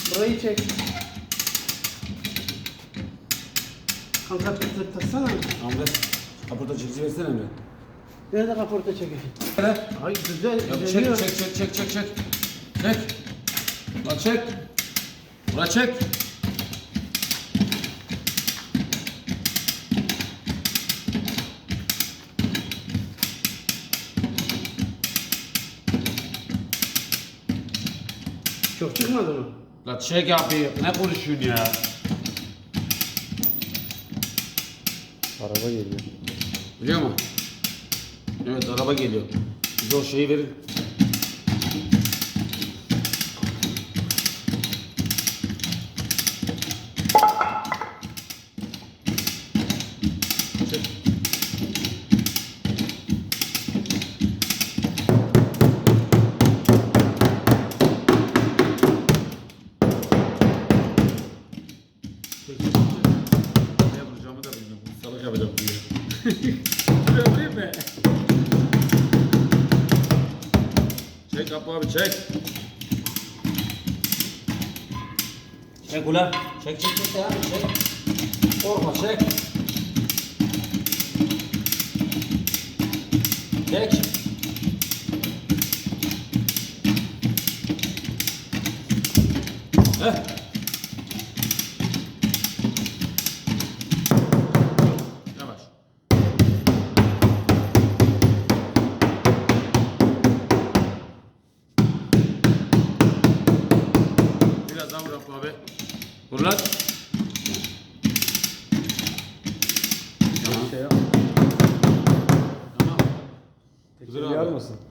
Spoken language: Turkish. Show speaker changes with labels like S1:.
S1: Burayı çek. Kanka taksana.
S2: Ahmet, kaporta çekici versene Emre.
S1: Nerede kaporta çekecek?
S2: Hele.
S1: Ay güzel.
S2: Ya
S1: düzeliyor.
S2: çek. Çek. Ulan çek. Ulan çek.
S1: Çok çıkmadı mı?
S2: Ulan çek abi. Ne konuşuyorsun ya?
S3: Araba geliyor.
S2: Biliyor musun? Evet, araba geliyor. Bize o şeyi verin. Çek. Ne vuracağımı da bilmiyorum. Salak yapacağım diye. Buraya vurayım mı? Çek Apo abi çek. Çek ulan. Çek abi çek. Korkma çek. Çek. Heh. Yavaş. Biraz daha vur Apo abi. Vur lan. Tamam.
S3: Şey yap.
S2: Tamam.
S3: Tekrar mısın?